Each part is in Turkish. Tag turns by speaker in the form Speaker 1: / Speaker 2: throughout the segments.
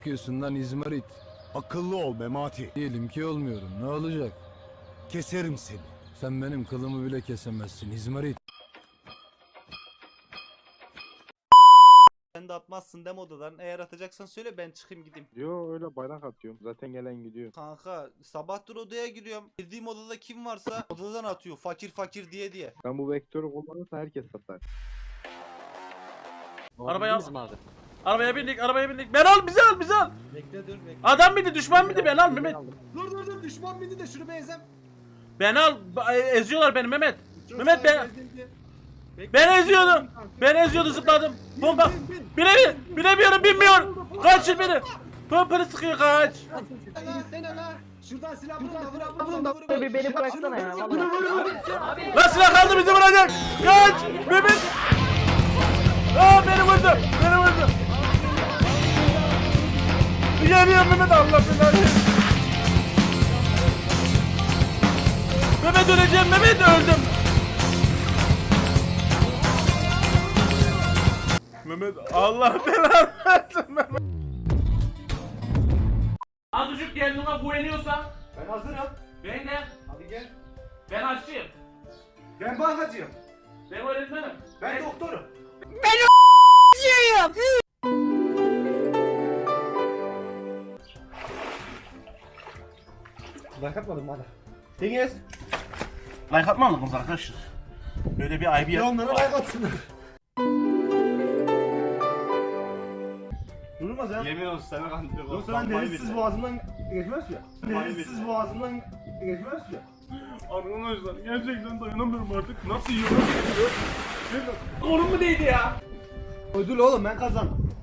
Speaker 1: Bakıyorsun lan İzmarit.
Speaker 2: Akıllı ol Memati.
Speaker 1: Diyelim ki olmuyorum. Ne olacak?
Speaker 2: Keserim seni.
Speaker 1: Sen benim kılımı bile kesemezsin İzmarit.
Speaker 3: Sen de atmazsın dem odadan. Eğer atacaksan söyle ben çıkayım gideyim.
Speaker 4: Yo öyle bayrak atıyorum. Zaten gelen gidiyor.
Speaker 3: Kanka sabahtır odaya giriyorum. Girdiğim odada kim varsa odadan atıyor. Fakir fakir diye.
Speaker 4: Ben bu vektörü kullanırsa herkes satar.
Speaker 5: Arabaya al. Arabaya bindik. Ben al, bizi al.
Speaker 3: Bekle dur bekle.
Speaker 5: Adam mıydı, düşman mıydı? Ben al Mehmet.
Speaker 6: Dur düşman bindi de şunu bir ezem.
Speaker 5: Ben al. Eziyorlar beni Mehmet. Mehmet ben eziyordum. Ben eziyordum, zıpladım. Bomba. Bilemiyorum, bilmiyorum. Kaçın beni. Pompalı sıkıyor, kaç.
Speaker 6: Şuradan silah bulun da
Speaker 7: Bir beni bıraksana ya.
Speaker 5: Lan silah kaldı, bizi vuracak. Kaç. Mehmet. Aa, beni vurdu. Geliyor Mehmet, Allah belanı. Mehmet öleceğim, Mehmet öldüm. Mehmet Allah belanı versin Mehmet. Azıcık kendine güveniyorsan.
Speaker 6: Ben hazırım.
Speaker 5: Ben de.
Speaker 6: Hadi gel.
Speaker 5: Ben aşçıyım.
Speaker 6: Ben bankacıyım.
Speaker 5: Ben öğretmenim.
Speaker 6: Ben doktorum. Like atmadım bana. Deniz.
Speaker 5: Like atmam mısınız arkadaşlar? Böyle bir ayıbı
Speaker 6: Ya onlara like atsınlar. Durmaz ya.
Speaker 3: Yemin olsun sana kandırıyor.
Speaker 6: Yoksa ben denizsiz boğazımdan geçmez ya. Denizsiz boğazımdan geçmez ya.
Speaker 5: Arkadaşlar gerçekten dayanamıyorum artık. Nasıl yiyor, nasıl gidiyor? Kolum mu değdi ya?
Speaker 6: Ödül oğlum ben kazandım.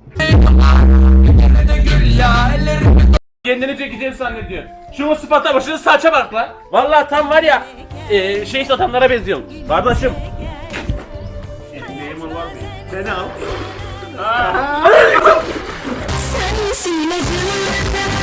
Speaker 5: Kendini çekeceğini zannediyor. Şunun sıfata başının saça bak lan. Vallahi tam var ya şey satanlara benziyorsun. Kardeşim. Memur var mı? Beni al.
Speaker 8: Sensin acılı